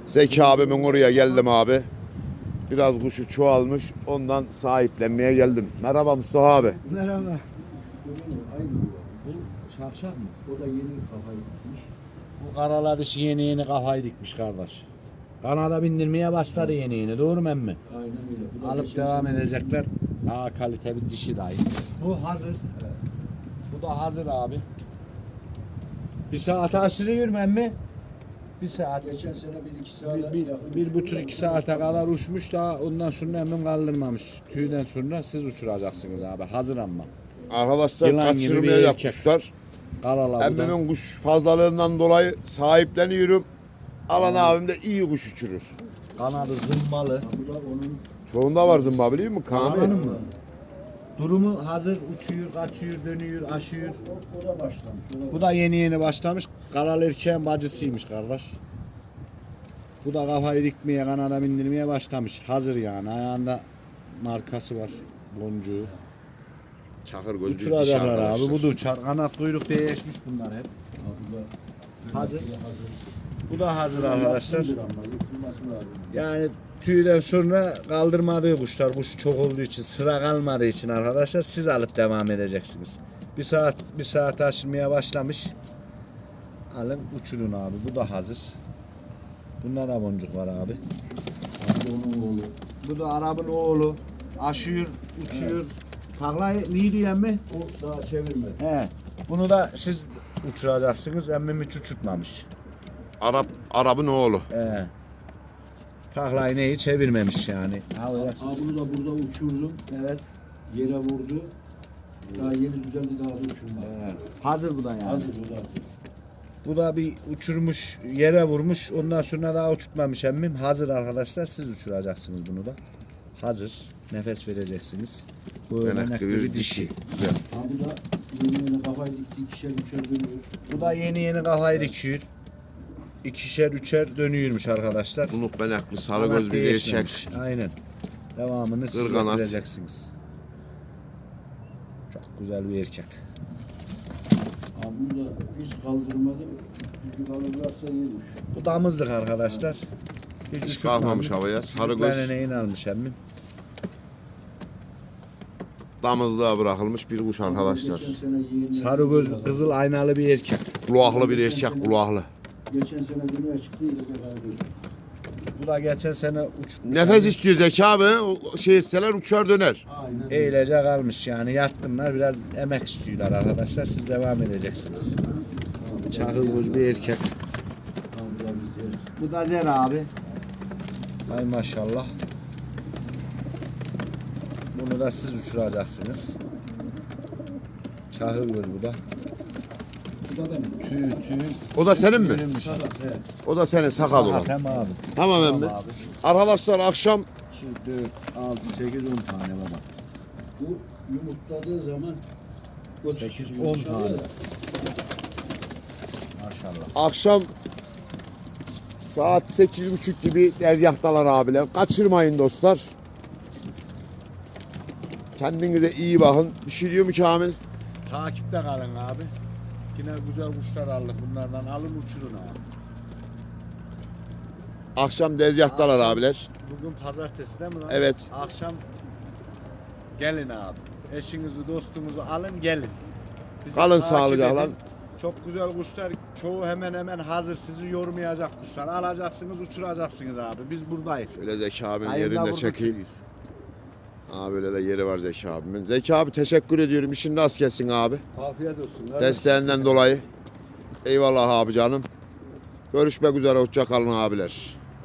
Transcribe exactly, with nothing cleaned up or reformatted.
Zeki abimin oraya geldim abi. Biraz kuşu çoğalmış. Ondan sahiplenmeye geldim. Merhaba Mustafa abi. Merhaba. Bu şakşak mı? O da yeni kafayı tutmuş. Bu karalar işi yeni yeni kafayı dikmiş kardeş. Kanada bindirmeye başladı yeni yeni, doğru mu emmi? Aynen öyle. Bu da Alıp geçen devam sene- edecekler. Daha kalite bir dişi dahi. Bu hazır. Evet. Bu da hazır abi. Bir saate aşırıyor mu emmi? Bir saat. Geçen sene bir iki saat Bir, bir, bir buçuk iki saate kadar uçmuş da ondan sonra emmim kaldırmamış. Tüyden sonra siz uçuracaksınız abi. Hazır ama. Arkadaşlar Yılan gibi bir kaçırmayacak erkek. kuşlar. Karala bu da. Emmimin kuş fazlalığından dolayı sahipleniyorum. Alan abim de iyi kuş uçurur. Kanadı zımbalı. Ha, bu da onun Çoğunda var zımba biliyor musun? Kanadın Kami. mı? Durumu hazır, uçuyor, kaçıyor, dönüyor, aşıyor. o, o da başlamış. O da Bu da yeni yeni başlamış. Karalı erkeğin bacısıymış kardeş. Bu da kafayı dikmeye, kanada bindirmeye başlamış. Hazır yani. Ayağında markası var. Boncuğu. Çakır gözlü diş Uçuracaklar abi. arkadaşlar. Bu da uçar. Kanat kuyruk değişmiş bunlar hep. Ha, bu da Hazır. bu da hazır. Bu da hazır arkadaşlar. Yapsındır ama, yıkılması lazım. Yani tüyden sonra kaldırmadığı kuşlar. Kuş çok olduğu için, sıra kalmadığı için arkadaşlar siz alıp devam edeceksiniz. Bir saat bir saat aşırmaya başlamış. Alın uçurun abi. Bu da hazır. Bunda da boncuk var abi. Bu onun oğlu. Bu da Arap'ın oğlu. Aşıyor, uçuyor. Taklayı niye diyor emmi? O daha çevirmedi. He. Bunu da siz uçuracaksınız. Emmim hiç uçurtmamış. Arap, Arap'ın oğlu. He. Taklayı neyi çevirmemiş yani. Ha, öyle Ha, siz- bunu da burada uçurdum. Evet. Yere vurdu. Daha yeni düzeldi, daha da uçurmadı. He. Hazır bu da yani. Hazır o da. Bu da bir uçurmuş, yere vurmuş. Ondan sonra daha uçurtmamış emmim. Hazır arkadaşlar. Siz uçuracaksınız bunu da. Hazır. Nefes vereceksiniz. Bu örnekli bir dişi. Güzel. Ha, bu da yeni yeni kafayı dikti. İkişer üçer dönüyor. Bu da yeni yeni kafayı dikiyor. İkişer üçer dönüyormuş arkadaşlar. Bunuk benekli sarı Kanat gözlü bir değişmemiş. erkek. Aynen. Devamını siz Kırganat. getireceksiniz. Çok güzel bir erkek. Ha, bunu da hiç kaldırmadım. Çünkü kaldırırsa iyiymiş. Bu damızlık arkadaşlar. Hiç, Hiç uçurtmamış. kalkmamış havaya. Sarı Çocuklarına göz neyin almış emmim? damızlığa bırakılmış bir kuş arkadaşlar. Geçen sene yeğenler- Sarı göz, kızıl aynalı bir erkek. Kulaklı bir erkek, kulaklı. Geçen sene dünyaya çıktı. İyi de kaldırdı. Bu da geçen sene uçmuş. Nefes istiyor Zeki abi. O şey isteler uçar döner. Aynen. Eğlece kalmış yani yatkınlar biraz emek istiyorlar arkadaşlar siz devam edeceksiniz. Çakıl göz bir erkek. Ha, bu da biz yeriz. Bu da Zer abi. Ay maşallah. Bunu da siz uçuracaksınız. Çakıl göz bu da. Bu da benim. Tüy tüy. O da senin mi? Bölünmüş. Sakat, evet. O da senin sakat olan. Tamam abi. Tamam emmi. Tamam abi. Arkadaşlar akşam Şu dört, altı, sekiz, on tane baba. Bu yumurtladığı zaman o Sekiz, on yumuşalıyor tane. ya. Maşallah. akşam saat sekiz buçuk gibi tezgahtalar abiler. Kaçırmayın dostlar. Kendinize iyi bakın. Bir şey diyor mu Kamil? Takipte kalın abi. Yine güzel kuşlar aldık bunlardan. Alın uçurun abi. Akşam tezgahtalar Akşam- abiler. Bugün pazartesi değil mi lan? Evet. Akşam gelin abi. Eşinizi, dostunuzu alın gelin. Bizi Kalın takip sağlıcakla. edin. Çok güzel kuşlar. Çoğu hemen hemen hazır. Sizi yormayacak kuşlar. Alacaksınız, uçuracaksınız abi. Biz buradayız. Şöyle Zeki abinin Hayırlı yerinde burada çekeyim. uçuruyoruz. Aa böyle de yeri var Zeki abimin. Zeki abi teşekkür ediyorum. İşin rast gelsin abi. Afiyet olsun. Desteğinden dolayı. Eyvallah abi canım. Görüşmek üzere. Hoşça kalın abiler.